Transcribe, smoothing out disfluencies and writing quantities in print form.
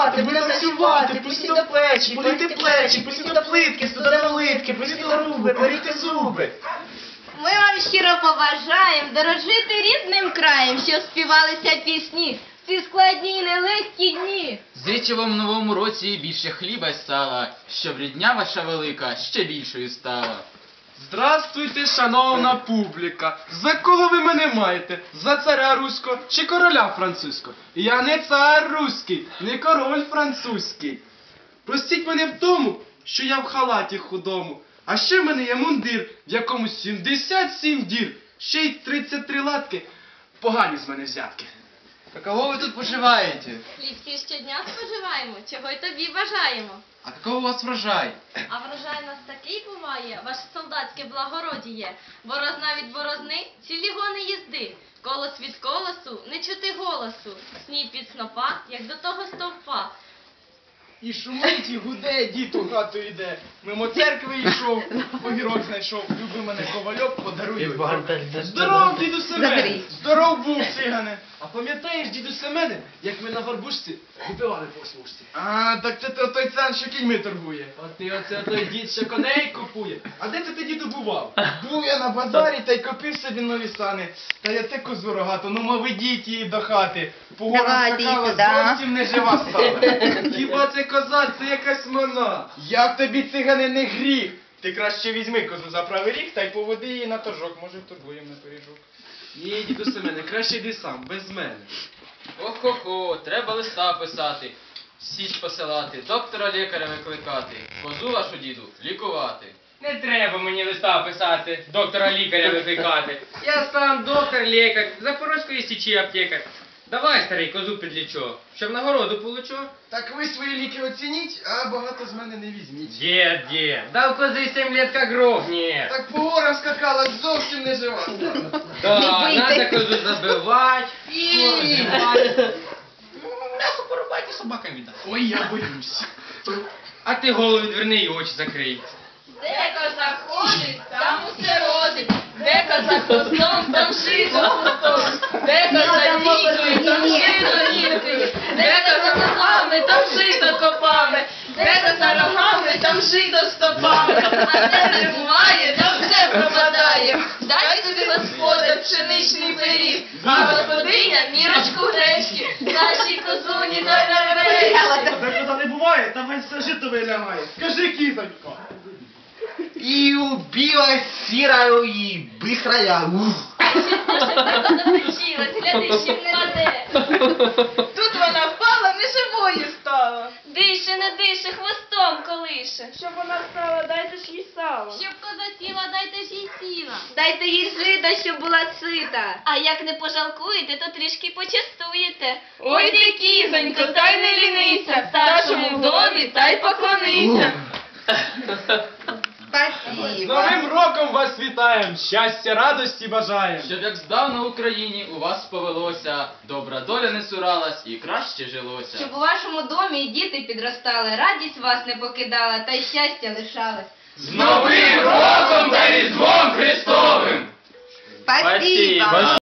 співати, будемо танцювати, пусті до плечі, політи плечі, пусті до плитки, студено литки, пусті до руби, поріти зуби. Ми вам щиро побажаємо дорожити рідним краєм, щоб співалися пісні в ці складні і нелегкі дні. Зичу вам в новому році більше хліба й сала, щоб рідня ваша велика ще більшою стала. Здравствуйте, шановна публіка! За кого ви мене маєте? За царя руського чи короля французького? Я не цар руський, не король французький. Простіть мене в тому, що я в халаті худому. А ще в мене є мундир, в якому 77 дір, ще й 33 латки. Погані з мене взятки. А кого ви тут поживаєте? Хліб щодня споживаємо, чого й тобі бажаємо. А какого у вас врожай? А врожай у нас такий буває, ваше солдатське благородіє. Борозна від борозни, цілі гони їзди. Колос від колосу, не чути голосу. Сніп від снопа, як до того стовпа. І шумить, і гуде, дід у хату йде. Мимо церкви йшов, огірок знайшов, люби мене ковальок, подаруй. Здоров, діду Семене! Здоров був, цигане! А пам'ятаєш, діду Семене, як ми на горбушці випивали по смужці? А, так це той цан, що кіньми торгує. Оце той дід, що коней купує. А де це ти, діду, бував? Був я на базарі та й купив собі нові сани. Та я те козу рогату, ну ма ведіть її до хати. По горам скакала, зовсім не жива стала. Хіба це коза, це якась мона. Як тобі, цигане, не гріх? Ти краще візьми козу за правий ріг та й поведи її на торжок, може вторгуємо на пиріжок. Ні, діду Семене, краще йди сам, без мене. Ох-хо-хо, треба листа писати, січ посилати, доктора лікаря викликати, козу вашу, діду, лікувати. Не треба мені листа писати, доктора лікаря викликати. Я сам доктор-лікар, Запорозької січі аптекар. Давай, старий, козу підлічу, щоб нагороду получу. Так ви свої ліки оцініть, а багато з мене не візьміть. Дед, дал козы 7 лет как гроб нет. Так по горам скакала, зовсім не жива стала. Да, надо козу забивать. М'ясо порубайте, собакам віддати. Ой, я боюсь. А ти голову відверни і очі закрий. Де коза ходить, там усе родить. Де коза хвостом, там шито хвостом. Де коза нікою, там шито нікою. Де коза ногами, там шито копами. Де коза рогами, там шито стопами. А де не буває, там все пропадає. Дай собі господар пшеничний пиріг, а господиня мірочку гречки. Нашій козуні дай на речі. Так куди не буває, там весь все жито вилягає. Скажи, кізонько. І убила сірою і бистрая. Запричилась, гляди, чим не раде. Тут вона впала, неживою стала. Дише, не дише, хвостом колише. Щоб вона стала, дайте ж їй сало. Щоб коза сіла, дайте ж їй сіла. Дайте їй жита, щоб була сита. А як не пожалкуєте, то трішки почастуєте. Ой ти, кізонько, та й не лінися, старшому в домі та й поклонися. З Новим роком вас вітаємо, щастя, радості бажаємо. Щоб як здавна в Україні у вас повелося, добра доля не суралась і краще жилося. Щоб у вашому домі і діти підростали, радість вас не покидала, та й щастя лишалось. З Новим роком та Різдвом Христовим! Спасибо!